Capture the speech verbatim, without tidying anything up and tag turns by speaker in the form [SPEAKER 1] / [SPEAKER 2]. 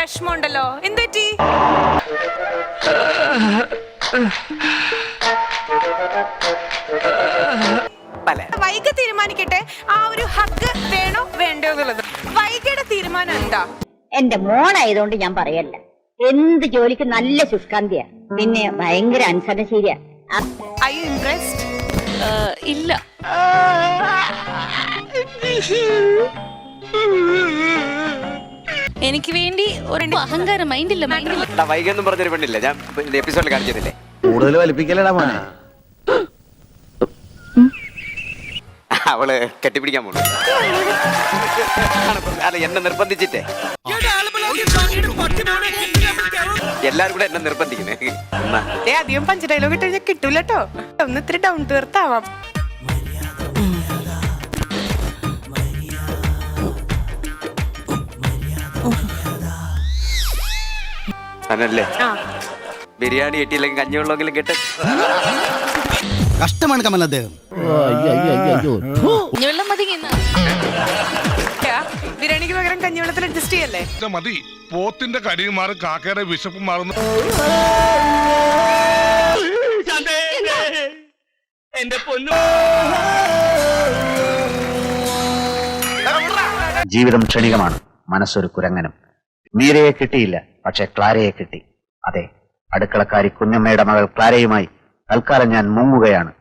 [SPEAKER 1] വിഷമമുണ്ടല്ലോ, എന്തുപറ്റി? വൈഗ തീരുമാനിക്കട്ടെ ആ ഒരു ഹഗ് വേണോ വേണ്ടോ എന്നുള്ളത്. വൈഗയുടെ തീരുമാനം എന്താ?
[SPEAKER 2] എന്റെ മോളായതുകൊണ്ട് ഞാൻ പറയല്ല. എന്ത് ജോലിക്ക് നല്ല ശുഷ്കാന്തിയാ, പിന്നെ ഭയങ്കര അനുസരണശീലിയാ.
[SPEAKER 1] Are you impressed?
[SPEAKER 3] ഇല്ല. എനിക്ക് വേണ്ടി ഒരു അഹങ്കാരം മൈൻഡില്ല മൈൻഡില്ല.
[SPEAKER 4] വൈകൊന്നും പറഞ്ഞൊരു പെണ്ണില്ല, ഞാൻ എപ്പിസോഡിൽ കാണിച്ചതില്ലേ.
[SPEAKER 5] കൂടുതൽ വലിപ്പിക്കലടാ മോനെ.
[SPEAKER 4] അവള് കെട്ടിപ്പിടിക്കാൻ പോണു. അല്ല, എന്നെ നിർബന്ധിച്ചിട്ടേ എല്ലാരും കൂടെ എന്നെ നിർബന്ധിക്കുന്നേ.
[SPEAKER 1] അധികം പഞ്ച് ഡയലോഗ് ഇട്ട് കഴിഞ്ഞാൽ കിട്ടൂല കേട്ടോ. ഒന്ന് ഇത്തിരി ഡൗൺ ടു എർത്ത് ആവാം.
[SPEAKER 4] അനല്ലേ ബിരിയാണി കിട്ടിയില്ലെങ്കിൽ കഞ്ഞിവെള്ളമെങ്കിലും കിട്ടും.
[SPEAKER 5] കഷ്ടമാണ് കമൽ അദ്ദേഹം.
[SPEAKER 3] വെള്ളം മതി.
[SPEAKER 1] ബിരിയാണിക്ക് പകരം കഞ്ഞിവെള്ളത്തിൽ അഡ്ജസ്റ്റ് ചെയ്യല്ലേ
[SPEAKER 6] മതി. പോത്തിന്റെ കരിയും മാറും, കാക്കയുടെ വിശപ്പ് മാറുന്നു.
[SPEAKER 7] ജീവിതം ക്ഷണികമാണ്, മനസ്സൊരു കുരങ്ങനും. മീരയെ കിട്ടിയില്ല, പക്ഷെ ക്ലാരയെ കിട്ടി. അതെ, അടുക്കളക്കാരി കുഞ്ഞമ്മയുടെ മകൾ ക്ലാരയുമായി തൽക്കാലം ഞാൻ മുങ്ങുകയാണ്.